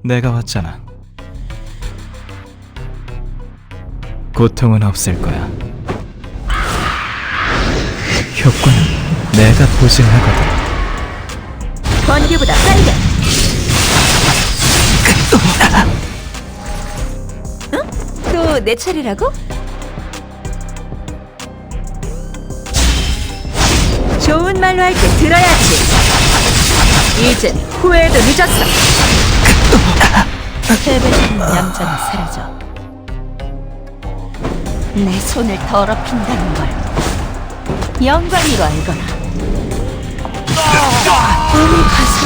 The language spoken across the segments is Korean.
내가 왔잖아. 고통은 없을 거야. 효과는 내가 보증하거든. 번개보다 빠르게. 응? 또 내 차례라고? 좋은 말로 할 때 들어야지. 이젠 후회도 늦었어. 패배는 얌전히 사라져. 내 손을 더럽힌다는 걸 영광으로 알거나. 몸이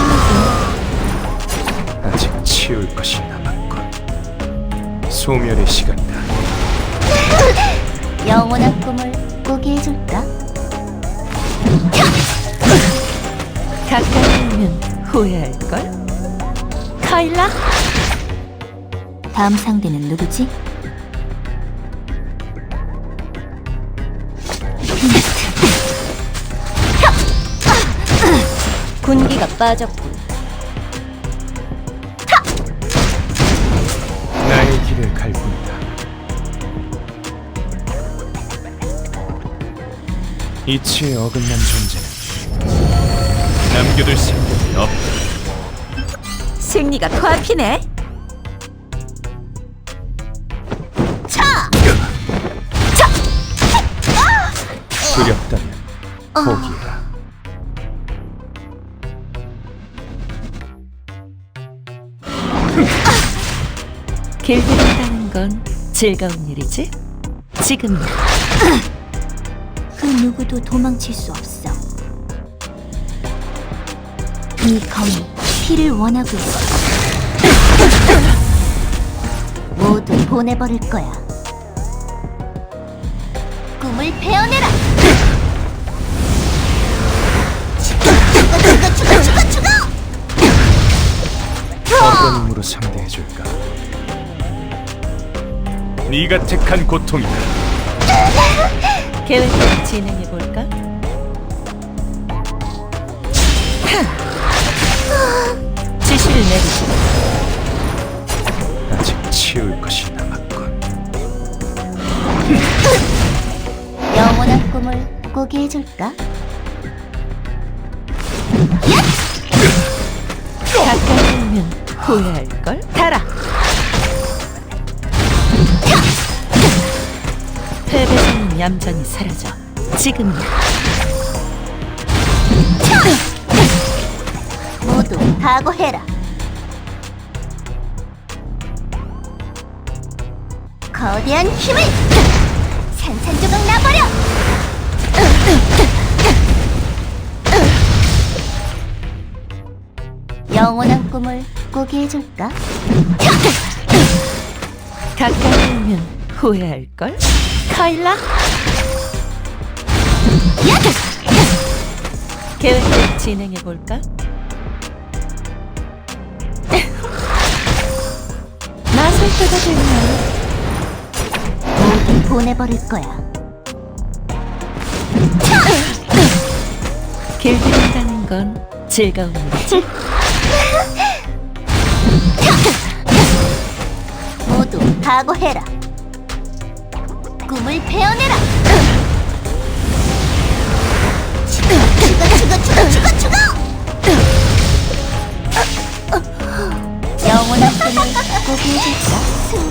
가슴이고. 아직 치울 것이 남았군. 소멸의 시간이다. 영원한 꿈을 꾸게 해줄까? 가까이 오면 후회할걸? 카일라? 다음 상대는 누구지? 군기가 빠졌군. 나의 길을 갈 뿐이다. 이치에 어긋난 존재는 남겨둘 생각이 없다. 승리가 코앞이네. 두렵다면 포기해라. 길들인다는 건 즐거운 일이지? 지금 그 누구도 도망칠 수 없어. 이 검이 피를 원하고 있어. 모두 보내버릴 거야. 꿈을 베어내라. 죽어! 어떤 힘으로 상대해줄까? 네가 택한 고통이다. 계획대로 진행해볼까? 지시를 내리지. 아직 치울 것이 남았군. 영원한 꿈을 꾸게 해줄까? 가까이 오면 후회할걸? 달아! 패배는 얌전히 사라져. 지금이야. 모두 각오해라. 거대한 힘을 산산조각 나버려. 영원한 꿈을 꾸게 해줄까? 가까이 오면 후회할걸? 카일라? 계획대로 진행해볼까? 나설 때가 됐나? 모두 보내버릴 거야. 길들인다는 건 즐거운 일이지? 모두 각오해라. 꿈을 베어내라. 죽어! 영원한 꿈을 꾸게 해줄까?